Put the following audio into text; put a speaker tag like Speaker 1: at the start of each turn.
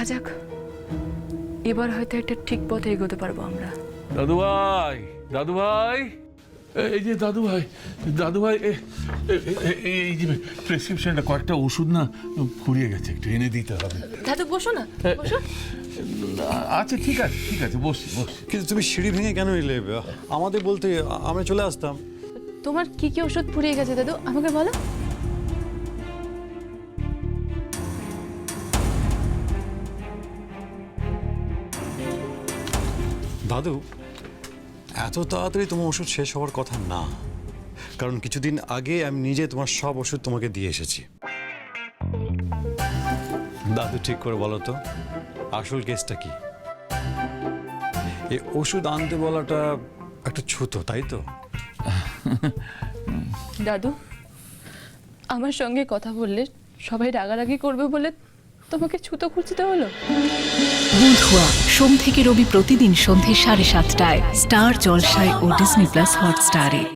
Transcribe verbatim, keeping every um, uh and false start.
Speaker 1: যাক, এবার হয়তো একটা ঠিক পথে এগোতে পারবো আমরা।
Speaker 2: দাদু ভাই, দাদু ভাই, এই যে দাদু ভাই, দাদু ভাই, এ- এ- এ- এই যে প্রেসক্রিপশনটা, কয়েকটা ওষুধ না ফুরিয়ে গেছে, একটু এনে দিতে হবে।
Speaker 1: দাদু বসো না, বসো।
Speaker 2: আচ্ছা ঠিক আছে, ঠিক আছে, বসছি বসছি।
Speaker 3: কিন্তু তুমি সিঁড়ি ভেঙে কেন এলে? আমাদের বলতে আমরা চলে আসতাম।
Speaker 1: তোমার কি কি ওষুধ ফুরিয়ে গেছে দাদু, আমাকে বলো।
Speaker 3: দাদু, এত তাড়াতাড়ি তোমার ওষুধ শেষ হওয়ার কথা না, কারণ কিছুদিন আগে আমি নিজে তোমার সব ওষুধ তোমাকে দিয়ে এসেছি। দাদু ঠিক করে বলো তো, আসল কেসটা কি? এই ওষুধ আনতে বলাটা একটা ছুতো, তাই তো?
Speaker 1: দাদু, আমার সঙ্গে কথা বললে সবাই রাগারাগি করবে বলে তোমাকে ছুতো খুঁজতে হলো?
Speaker 4: বুধুয়া সোম থেকে রবি প্রতিদিন সন্ধে সাড়ে সাতটায় স্টার জলসায় ও ডিজনি প্লাস হটস্টারে।